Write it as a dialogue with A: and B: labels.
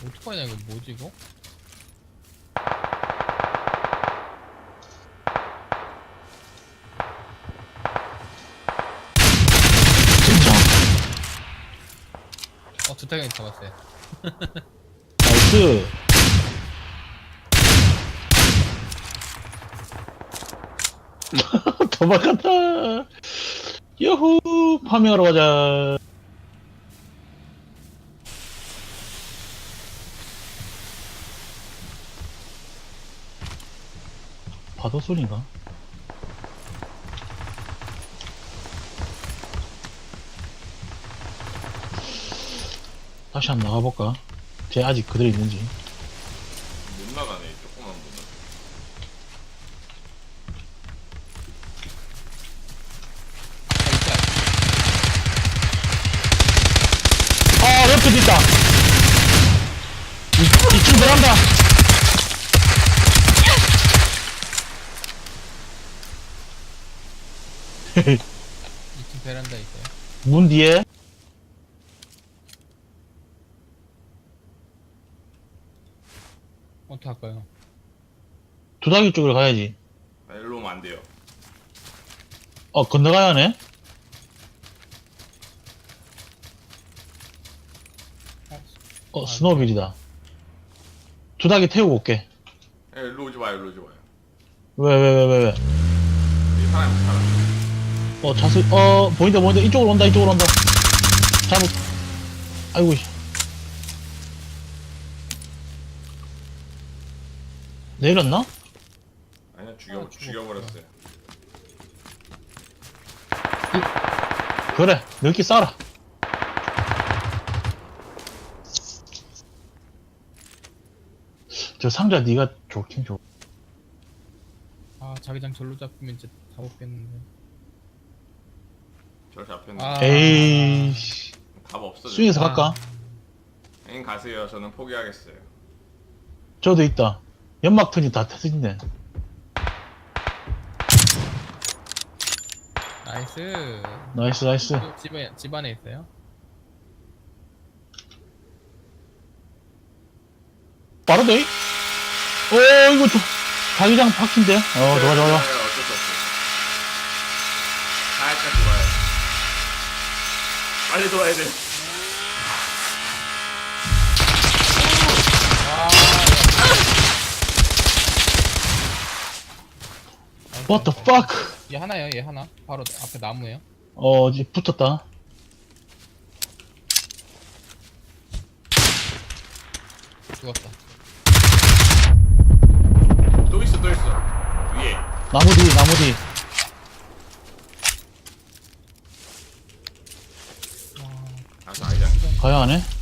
A: 어떡하냐 이거 뭐지 이거?
B: 진짜.
A: 주택이 잡았어요.
B: 나이스. 도망갔다. 여후, 파밍하러 가자. 파도 소리인가? 다시 한번 나가볼까? 쟤 아직 그대로 있는지.
C: 못 나가네, 조그만 분은.
B: 아, 레프트 있다. 2층 베란다.
A: 이층 베란다 있어요.
B: 문 뒤에.
A: 어떡할까요?
B: 두다기 쪽으로 가야지.
C: 아, 일로 오면 안 돼요.
B: 건너가야 하네? 스노우빌이다. 두다기 태우고 올게.
C: 예, 일로 오지 마요, 일로 오지 마요.
B: 왜?
C: 여기 사람이 살아.
B: 자수, 보인다. 이쪽으로 온다. 잡을. 아이고, 씨. 내렸나?
C: 아니야,
A: 죽었구나.
C: 죽여버렸어요.
B: 그래, 넓게 싸라. 저 상자 네가 좋긴 좋.
A: 자기장 절로 잡히면 이제 다 먹겠는데.
C: 저 잡혔네.
B: 에이씨.
C: 답 없어.
B: 스윙에서 갈까?
C: 행 가세요. 저는 포기하겠어요.
B: 저도 있다. 연막 턴이 다 터진네.
A: 나이스.
B: 나이스.
A: 집 안에 있어요.
B: 빠르네? 이거 좀, 자기장 박힌데? 좋아.
C: 어쩔 수 없어. 살짝 돌아요. 빨리 돌아야 돼.
B: What the fuck?
A: 얘 하나요, 얘 하나. 바로 앞에 나무에요.
B: 이제 붙었다.
A: 죽었다.
C: 또 있어. 위에.
B: 나무 뒤.
C: 아, 자기장.
B: 가야 하네?